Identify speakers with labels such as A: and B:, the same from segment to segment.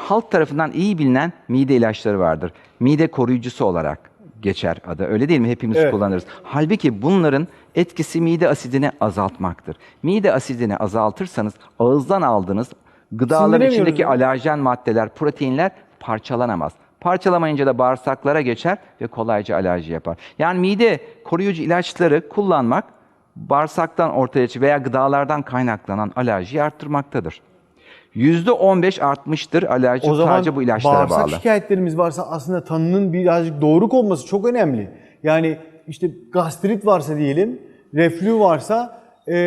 A: halk tarafından iyi bilinen mide ilaçları vardır. Mide koruyucusu olarak geçer adı. Öyle değil mi? Hepimiz kullanırız. Halbuki bunların etkisi mide asidini azaltmaktır. Mide asidini azaltırsanız ağızdan aldığınız gıdaların içindeki alerjen maddeler, proteinler parçalanamaz. Parçalamayınca da bağırsaklara geçer ve kolayca alerji yapar. Yani mide koruyucu ilaçları kullanmak bağırsaktan ortaya çıkan veya gıdalardan kaynaklanan alerjiyi arttırmaktadır. %15 artmıştır alerji sadece bu ilaçlara bağlı.
B: O zaman bağırsak şikayetlerimiz varsa aslında tanının birazcık doğru konması çok önemli. Yani işte gastrit varsa diyelim, reflü varsa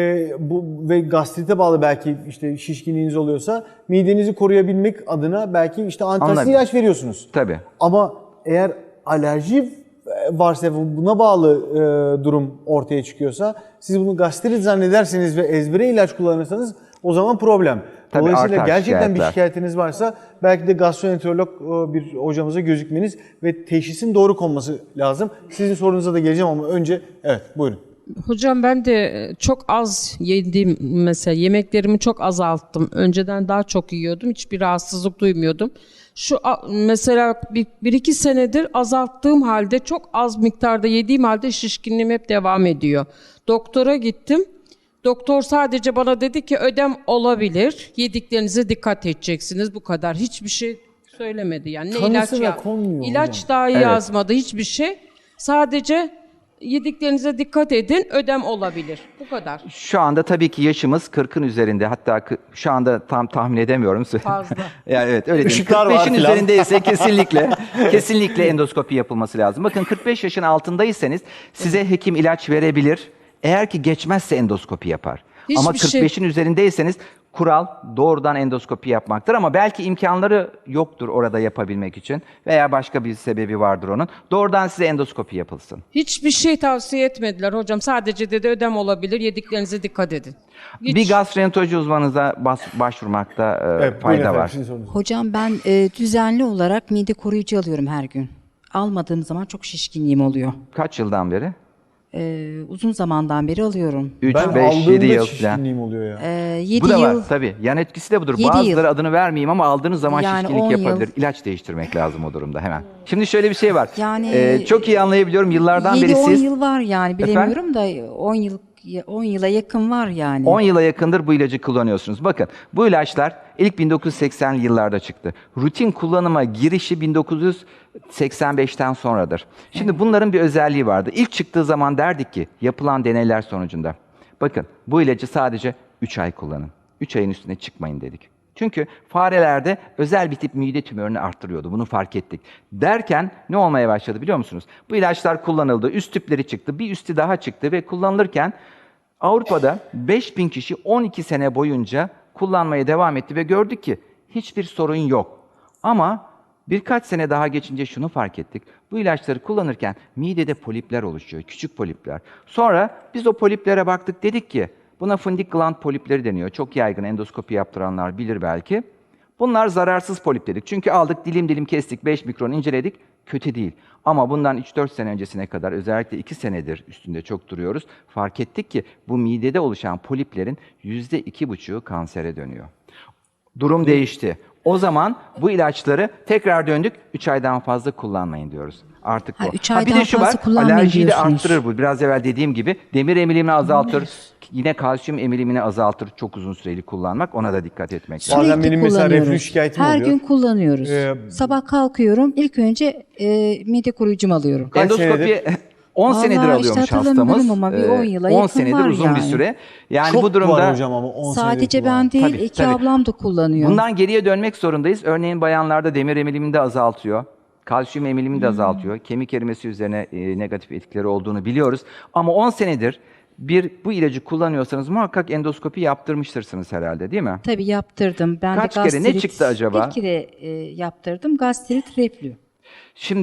B: bu ve gastrite bağlı belki işte şişkinliğiniz oluyorsa midenizi koruyabilmek adına belki işte antiasit ilaç veriyorsunuz.
A: Tabii.
B: Ama eğer alerji varsa buna bağlı durum ortaya çıkıyorsa siz bunu gastrit zannederseniz ve ezbere ilaç kullanırsanız o zaman problem.
A: Tabii,
B: Dolayısıyla gerçekten bir
A: şikayetler.
B: şikayetiniz varsa belki de gastroenterolog bir hocamıza gözükmeniz ve teşhisin doğru konması lazım. Sizin sorunuza da geleceğim ama önce evet buyurun.
C: Hocam ben de çok az yediğim mesela yemeklerimi çok azalttım. Önceden daha çok yiyordum. Hiçbir rahatsızlık duymuyordum. Mesela bir iki senedir azalttığım halde çok az miktarda yediğim halde şişkinliğim hep devam ediyor. Doktora gittim. Doktor sadece bana dedi ki ödem olabilir. Yediklerinize dikkat edeceksiniz. Bu kadar. Hiçbir şey söylemedi. Yani ne ilaç dahi yazmadı. Hiçbir şey. Sadece yediklerinize dikkat edin. Ödem olabilir. Bu kadar.
A: Şu anda tabii ki yaşımız 40'ın üzerinde. Hatta şu anda tam tahmin edemiyorum.
C: Fazla.
A: Yani evet öyle değil.
B: Işıklar var
A: 45'in
B: filan.
A: üzerindeyse kesinlikle endoskopi yapılması lazım. Bakın 45 yaşın altındaysanız size hekim ilaç verebilir. Eğer ki geçmezse endoskopi yapar. Ama 45'in üzerindeyseniz kural doğrudan endoskopi yapmaktır ama belki imkanları yoktur orada yapabilmek için veya başka bir sebebi vardır onun. Doğrudan size endoskopi yapılsın.
C: Hiçbir şey tavsiye etmediler hocam. Sadece dedi ödem olabilir. Yediklerinize dikkat edin.
A: Bir gastroenteroloji uzmanınıza başvurmakta fayda var.
D: Hocam ben düzenli olarak mide koruyucu alıyorum her gün. Almadığım zaman çok şişkinliğim oluyor.
A: Kaç yıldan beri?
D: Uzun zamandan beri alıyorum.
A: 3,
B: Ben
A: 5, 7 yıl
B: şişkinliğim
A: falan.
B: oluyor ya.
D: 7
A: Bu da var
D: yıl.
A: tabii. Yan etkisi de budur.
D: 7
A: Bazıları
D: yıl.
A: adını vermeyeyim ama aldığınız zaman
D: Yani
A: şişkinlik
D: 10
A: yapabilir.
D: yıl.
A: İlaç değiştirmek lazım o durumda hemen. Şimdi şöyle bir şey var.
D: Yani
A: çok iyi anlayabiliyorum. Yıllardan beri
D: 7-10
A: siz...
D: yıl var yani bilemiyorum da 10 yıla yakın var yani.
A: 10 yıla yakındır bu ilacı kullanıyorsunuz. Bakın bu ilaçlar ilk 1980'li yıllarda çıktı. Rutin kullanıma girişi 1985'ten sonradır. Şimdi bunların bir özelliği vardı. İlk çıktığı zaman derdik ki yapılan deneyler sonucunda. Bakın bu ilacı sadece 3 ay kullanın. 3 ayın üstüne çıkmayın dedik. Çünkü farelerde özel bir tip mide tümörünü arttırıyordu. Bunu fark ettik. Derken ne olmaya başladı biliyor musunuz? Bu ilaçlar kullanıldı. Üst tüpleri çıktı. Bir üstü daha çıktı ve kullanılırken Avrupa'da 5000 kişi 12 sene boyunca kullanmaya devam etti ve gördük ki hiçbir sorun yok. Ama birkaç sene daha geçince şunu fark ettik. Bu ilaçları kullanırken midede polipler oluşuyor. Küçük polipler. Sonra biz o poliplere baktık dedik ki buna fundik gland polipleri deniyor. Çok yaygın endoskopi yaptıranlar bilir belki. Bunlar zararsız polip dedik. Çünkü aldık dilim dilim kestik 5 mikron inceledik. Kötü değil. Ama bundan 3-4 sene öncesine kadar özellikle 2 senedir üstünde çok duruyoruz. Fark ettik ki bu midede oluşan poliplerin %2,5'u kansere dönüyor. Durum değişti. O zaman bu ilaçları tekrar döndük. 3 aydan fazla kullanmayın diyoruz. Artık bu.
D: 3
A: Bir
D: aydan
A: de şu var.
D: fazla kullanmayın
A: Alerjiyi de
D: diyorsunuz.
A: arttırır bu. Biraz evvel dediğim gibi demir emilimini azaltır. Yine kalsiyum emilimini azaltır çok uzun süreli kullanmak. Ona da dikkat etmek lazım.
B: Bazen
D: Sürekli
B: benim mesela
D: kullanıyoruz.
B: reflü şikayetim
D: her
B: oluyor.
D: gün kullanıyoruz. Sabah kalkıyorum ilk önce mide koruyucumu alıyorum.
B: Kaç
A: Endoskopi
B: senedir?
A: 10 senedir
D: Vallahi
A: alıyormuş
D: işte hatırlamıyorum
A: hastamız.
D: ama bir 10 yıla
A: 10
D: yakın
A: senedir
D: var
A: uzun bir
D: yani.
A: süre. Yani
B: Çok
A: bu durumda
B: var hocam ama 10
D: Sadece
B: senedir
D: ben değil,
A: Tabii,
D: iki
A: tabii.
D: ablam da kullanıyor.
A: bundan geriye dönmek zorundayız. Örneğin bayanlarda demir emilimini de azaltıyor. Kalsiyum emilimini de azaltıyor. Kemik erimesi üzerine negatif etkileri olduğunu biliyoruz. Ama 10 senedir bu ilacı kullanıyorsanız muhakkak endoskopi yaptırmıştırsınız herhalde değil mi?
D: Tabii yaptırdım. Ben
A: Kaç
D: de
A: kere, ne
D: gastrit,
A: çıktı acaba?
D: Bir kere yaptırdım. Gastrit, reflü.
A: Şimdi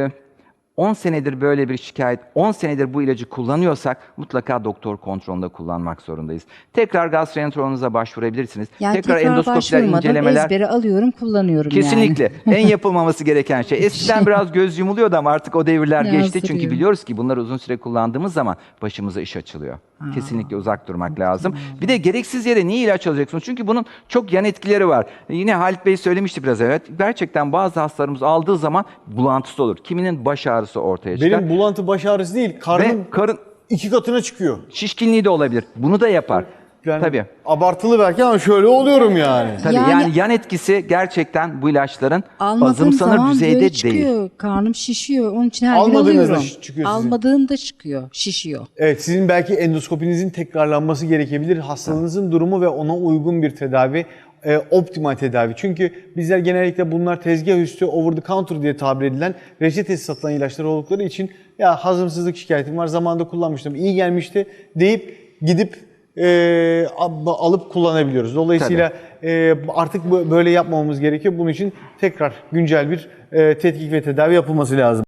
A: 10 senedir böyle bir şikayet, 10 senedir bu ilacı kullanıyorsak mutlaka doktor kontrolünde kullanmak zorundayız. Tekrar gastroenteroloğunuza başvurabilirsiniz.
D: Yani
A: tekrar
D: tekrar
A: endoskopiler,
D: başvurmadım.
A: incelemeler.
D: Ezbere alıyorum, kullanıyorum
A: Kesinlikle.
D: yani.
A: En yapılmaması gereken şey. Eskiden biraz göz yumuluyordu ama artık o devirler geçti.
D: Yazdırıyor.
A: Çünkü biliyoruz ki bunları uzun süre kullandığımız zaman başımıza iş açılıyor. kesinlikle uzak durmak lazım. Bir de gereksiz yere niye ilaç alacaksınız? Çünkü bunun çok yan etkileri var. Yine Halit Bey söylemişti biraz evet. Gerçekten bazı hastalarımız aldığı zaman bulantısı olur. Kiminin baş ağrısı ortaya çıkar.
B: Benim bulantı baş ağrısı değil,
A: Ve
B: karnım
A: karın
B: 2 katına çıkıyor.
A: şişkinliği de olabilir. Bunu da yapar.
B: Yani
A: Tabii.
B: abartılı belki ama şöyle oluyorum yani.
A: Tabii
D: Yani-
A: yani yan etkisi gerçekten bu ilaçların
D: Almadığım
A: azımsanır
D: zaman
A: düzeyde
D: böyle çıkıyor.
A: değil.
D: Karnım şişiyor. Onun için her gün
B: Almadığınızda
D: alıyorum.
B: çıkıyor sizin.
D: Almadığımda çıkıyor, şişiyor.
B: Evet, sizin belki endoskopinizin tekrarlanması gerekebilir. Hastalığınızın durumu ve ona uygun bir tedavi, optimal tedavi. Çünkü bizler genellikle bunlar tezgah üstü over the counter diye tabir edilen reçetesiz satılan ilaçlar oldukları için ya hazımsızlık şikayetim var, zamanında kullanmıştım, iyi gelmişti deyip gidip alıp kullanabiliyoruz. Dolayısıyla artık böyle yapmamamız gerekiyor. Bunun için tekrar güncel bir tetkik ve tedavi yapılması lazım.